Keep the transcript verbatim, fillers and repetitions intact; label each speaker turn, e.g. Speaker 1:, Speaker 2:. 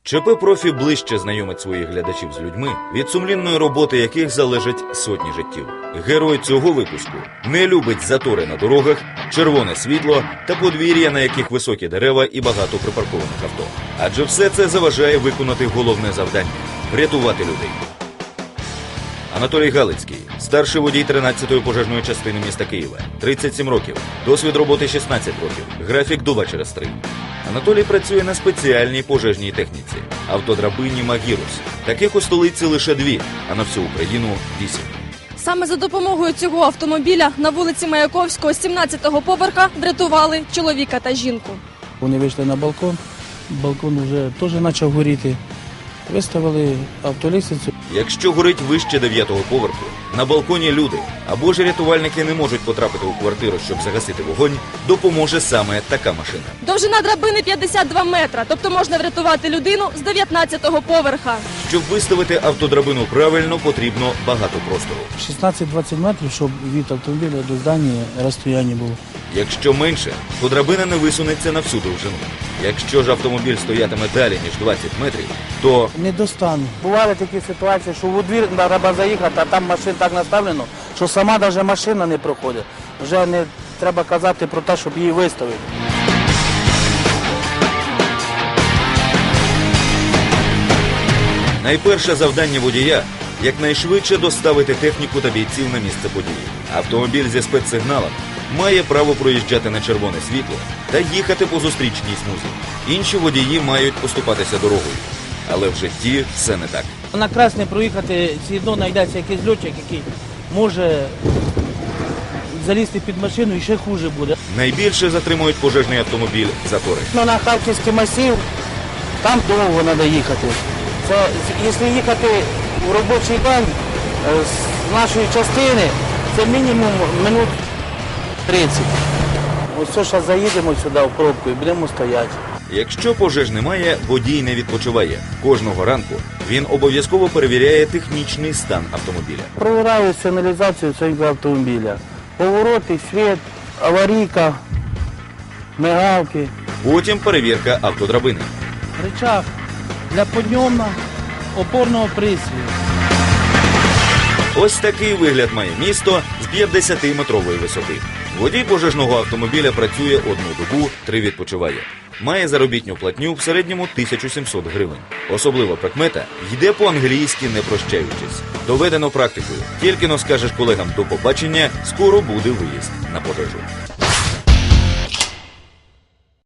Speaker 1: ЧП «Профі» ближче знайомить своїх глядачів з людьми, від сумлінної роботи яких залежать сотні життів. Герой цього випуску не любить затори на дорогах, червоне світло та подвір'я, на яких високі дерева і багато припаркованих авто. Адже все це заважає виконати головне завдання – врятувати людей. Анатолій Галицький, старший водій тринадцятої пожежної частини міста Києва, тридцять сім років, досвід роботи шістнадцять років, графік два через три. Анатолій працює на спеціальній пожежній техніці – автодрабині «Магірус». Таких у столиці лише дві, а на всю Україну – вісім.
Speaker 2: Саме за допомогою цього автомобіля на вулиці Маяковського, сімнадцятого поверха, врятували чоловіка та жінку.
Speaker 3: Вони вийшли на балкон, балкон вже теж почав горіти. Виставили автолісницю.
Speaker 1: Якщо горить вище дев'ятого поверху, на балконі люди, або ж рятувальники не можуть потрапити у квартиру, щоб загасити вогонь, допоможе саме така машина.
Speaker 2: Довжина драбини п'ятдесят два метра, тобто можна врятувати людину з дев'ятнадцятого поверха.
Speaker 1: Щоб виставити автодрабину правильно, потрібно багато простору.
Speaker 3: шістнадцять-двадцять метрів, щоб від автомобіля до здання розстояння було.
Speaker 1: Якщо менше, то драбина не висунеться на всю довжину. Якщо ж автомобіль стоятиме далі, ніж двадцять метрів, то
Speaker 3: не достану. Бували такі ситуації, що у двір треба заїхати, а там машин так наставлено, що сама навіть машина не проходить. Вже не треба казати про те, щоб її виставити.
Speaker 1: найперше завдання водія – якнайшвидше доставити техніку та бійців на місце події. Автомобіль зі спецсигналом має право проїжджати на червоне світло та їхати по зустрічній смузі. Інші водії мають поступатися дорогою. Але в житті все не так.
Speaker 3: На красне проїхати, все одно знайдеться якийсь льотчик, який може залізти під машину і ще хуже буде.
Speaker 1: Найбільше затримують пожежний автомобіль затори.
Speaker 3: Ну, на Харківський масив, там довго треба їхати. Це, якщо їхати в робочий день з нашої частини, це мінімум минут тридцять. Ось зараз заїдемо сюди в пробку і будемо стояти.
Speaker 1: Якщо пожеж немає, водій не відпочиває. Кожного ранку він обов'язково перевіряє технічний стан автомобіля.
Speaker 3: Провіряю сигналізацію цього автомобіля. Повороти, світ, аварійка, мигалки.
Speaker 1: Потім перевірка автодрабини.
Speaker 3: Рычаг для підйому опорного присвію.
Speaker 1: Ось такий вигляд має місто з п'ятдесятиметрової висоти. Водій пожежного автомобіля працює одну добу, три відпочиває. Має заробітну платню в середньому тисячу сімсот гривень. Особлива прикмета – йде по-англійськи не прощаючись. Доведено практикою. Тільки но скажеш колегам «до побачення», скоро буде виїзд на пожежу.